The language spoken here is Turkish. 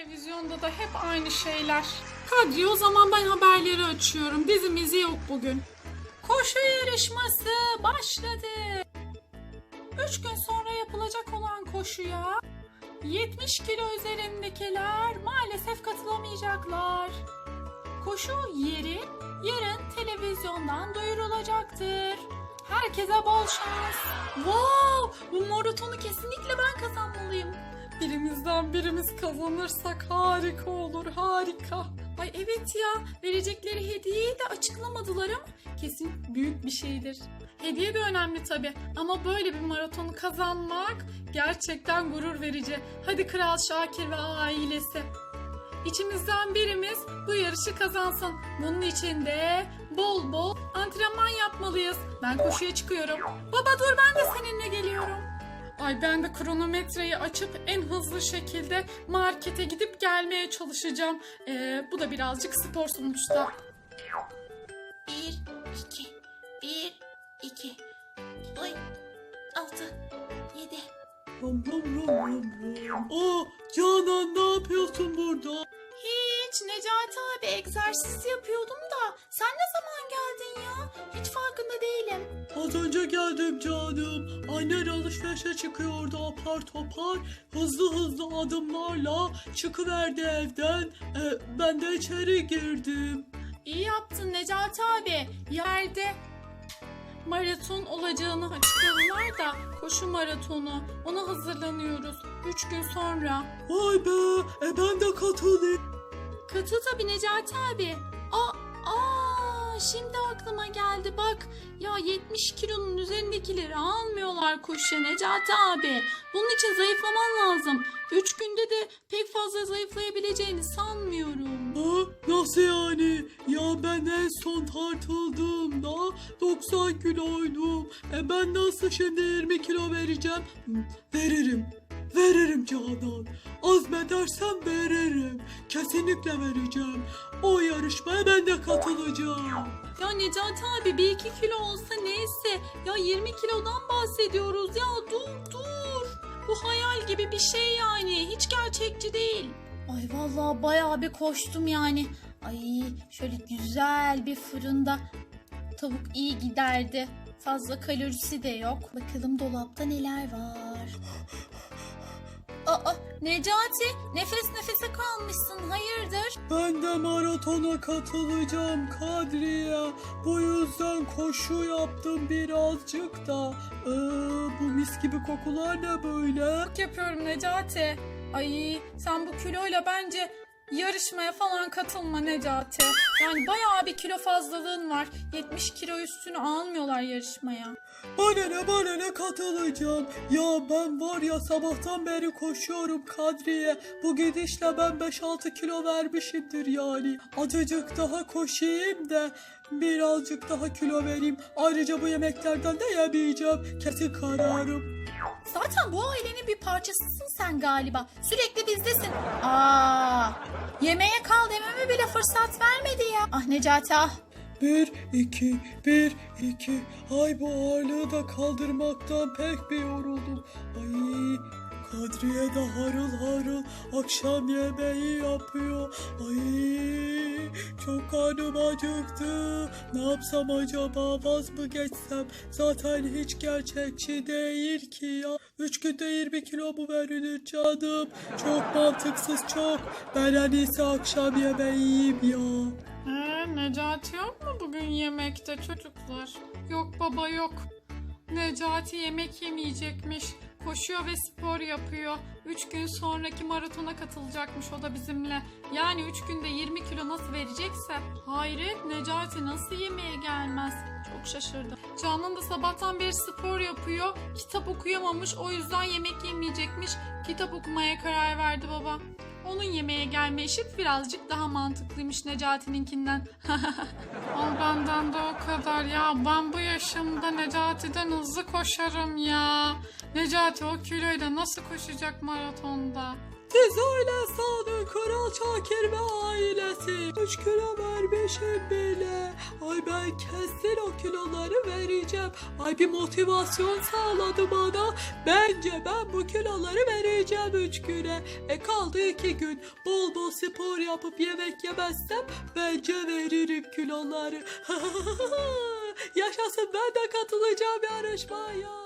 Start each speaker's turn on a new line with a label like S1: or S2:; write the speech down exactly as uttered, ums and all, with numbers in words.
S1: Televizyonda da hep aynı şeyler. Kadri, o zaman ben haberleri açıyorum. Dizimizi yok bugün. Koşu yarışması başladı. Üç gün sonra yapılacak olan koşuya yetmiş kilo üzerindekiler maalesef katılamayacaklar. Koşu yeri yarın televizyondan duyurulacaktır. Herkese bol şans. Wow, bu maratonu kesinlikle ben kazanmalıyım. Birimizden birimiz kazanırsak harika olur, harika. Ay evet ya, verecekleri hediyeyi de açıklamadılar ama kesin büyük bir şeydir. Hediye de önemli tabii ama böyle bir maratonu kazanmak gerçekten gurur verici. Hadi Kral Şakir ve ailesi. İçimizden birimiz bu yarışı kazansın. Bunun için de bol bol antrenman yapmalıyız. Ben koşuya çıkıyorum. Baba dur, ben de seninle geliyorum. Ay ben de kronometreyi açıp en hızlı şekilde markete gidip gelmeye çalışacağım. Ee, bu da birazcık spor sonuçta.
S2: Bir, iki, bir, iki, oy, altı, yedi.
S3: Ram ram ram ram ram. Aa, Canan ne yapıyorsun burada?
S2: Hiç, Necati abi egzersiz yapıyordum da sen ne zaman geldin ya? Hiç farkında değilim.
S3: Az önce geldim canım. Annen alışverişe çıkıyordu apar topar. Hızlı hızlı adımlarla çıkıverdi evden. Ee, ben de içeri girdim.
S2: İyi yaptın Necati abi.
S1: Yerde maraton olacağını açıkladılar da koşu maratonu. Ona hazırlanıyoruz. Üç gün sonra.
S3: Vay be, e ben de katılayım.
S1: Katıl tabii Necati abi. Aa, aa, şimdi aklıma geldi bak. Ya yetmiş kilonun üzerindekileri almıyorlar koşuya Necati abi. Bunun için zayıflaman lazım. Üç günde de pek fazla zayıflayabileceğini sanmıyorum.
S3: Ha, nasıl yani? Ya ben en son tartıldığımda doksan kiloydum. E ben nasıl şimdi yirmi kilo vereceğim? Hı, veririm. Veririm Canan. Azmedersem veririm. Kesinlikle vereceğim. O yarışmaya ben de katılacağım.
S1: Ya Necati abi bir iki kilo olsa neyse. Ya yirmi kilodan bahsediyoruz ya, dur dur. Bu hayal gibi bir şey yani, hiç gerçekçi değil.
S2: Ay vallahi bayağı bir koştum yani. Ay şöyle güzel bir fırında tavuk iyi giderdi. Fazla kalorisi de yok. Bakalım dolapta neler var. Aa Necati, nefes nefese kalmışsın, hayırdır?
S3: Ben de maratona katılacağım Kadriye. Bu yüzden koşu yaptım birazcık da. Ee, bu mis gibi kokular ne böyle?
S1: Çok yapıyorum Necati. Ay sen bu kiloyla bence yarışmaya falan katılma Necati. Yani bayağı bir kilo fazlalığın var. yetmiş kilo üstünü almıyorlar yarışmaya.
S3: Bana ne bana ne katılacağım. Ya ben var ya sabahtan beri koşuyorum Kadriye. Bu gidişle ben beş altı kilo vermişimdir yani. Azıcık daha koşayım da birazcık daha kilo vereyim. Ayrıca bu yemeklerden de yemeyeceğim. Kesin kararım.
S2: Zaten bu ailenin bir parçasısın sen galiba. Sürekli bizdesin. Aa, yemeğe kal dememe bile fırsat vermedi ya. Ah Necati ah.
S3: Bir, iki, bir, iki. Ay bu ağırlığı da kaldırmaktan pek bir yoruldum. Ay Kadriye de harıl harıl akşam yemeği yapıyor. Ay çok karnım acıktı. Ne yapsam acaba, vaz mı geçsem? Zaten hiç gerçekçi değil ki ya. Üç günde yirmi kilo mu verilir canım? Çok mantıksız çok. Ben en iyisi akşam yemeği yiyeyim ya.
S1: Ee, Necati yok mu bugün yemekte çocuklar? Yok baba yok. Necati yemek yemeyecekmiş. Koşuyor ve spor yapıyor. Üç gün sonraki maratona katılacakmış o da bizimle. Yani üç günde yirmi kilo nasıl verecekse. Hayret, Necati nasıl yemeğe gelmez? Çok şaşırdım. Canan da sabahtan beri spor yapıyor. Kitap okuyamamış, o yüzden yemek yemeyecekmiş. Kitap okumaya karar verdi baba. Onun yemeğe gelme işi birazcık daha mantıklıymış Necati'ninkinden. Al benden de o kadar ya. Ben bu yaşımda Necati'den hızlı koşarım ya. Necati o kiloyla nasıl koşacak maratonda?
S3: Siz öyle sanın Kral Şakir ve ailesi. Üç kilo vermişim bile. Ay ben kesin o kiloları vereceğim. Ay bir motivasyon sağladı bana. Bence ben bu kiloları vereceğim üç güne. E kaldı iki gün. Bol bol spor yapıp yemek yemezsem bence veririm kiloları. Yaşasın, ben de katılacağım yarışmaya.